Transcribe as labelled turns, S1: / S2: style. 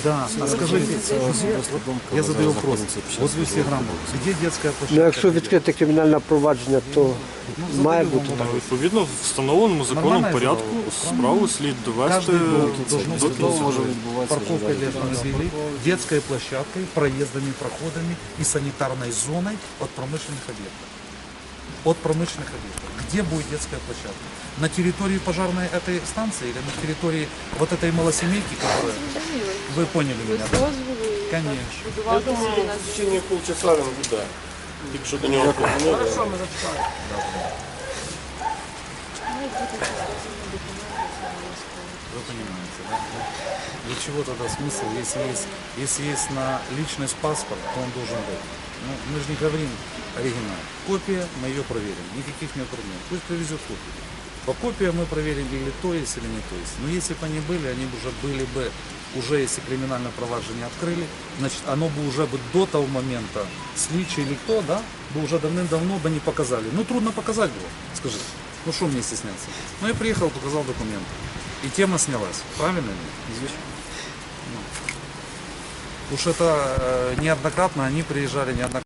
S1: Да, а скажите, я задаю вопрос, вот вы все грамоты, где детская
S2: Ну,
S1: площадка?
S2: якщо відкрите кримінальне провадження, то має бути так.
S3: Відповідно, в встановленому законом
S1: Нормально я
S3: порядку
S1: задав?
S3: справу слід довести
S1: Каждый дом должен
S3: до
S1: быть
S3: кінця.
S1: парковкой для автомобилей, детской площадкой, проездами, проходами и санитарной зоной от промышленных объектов. От промышленных объектов. Где будет детская площадка? На территории пожарной этой станции или на территории вот этой малосемейки, которая... Вы поняли меня, да? Конечно.
S4: Я думаю, в течение полчаса він буде. Якщо до нього позвонили.
S1: Вы понимаете, да? Для чего тогда смысл, если есть на личность паспорт, то он должен быть. Ну, мы же не говорим оригинал. Копия, мы ее проверим. Никаких нет проблем. Пусть привезет копию. По копиям мы проверим, или то есть, или не то есть. Но если бы они были, они бы уже были бы, уже если криминальное проваджение открыли, значит, оно бы уже бы до того момента, сличи или кто, да, бы уже давным-давно бы не показали. Ну, трудно показать было, скажите. Ну, что мне стесняться? Ну, я приехал, показал документы. И тема снялась. Правильно ли? Известно. Уж это неоднократно они приезжали, неоднократно.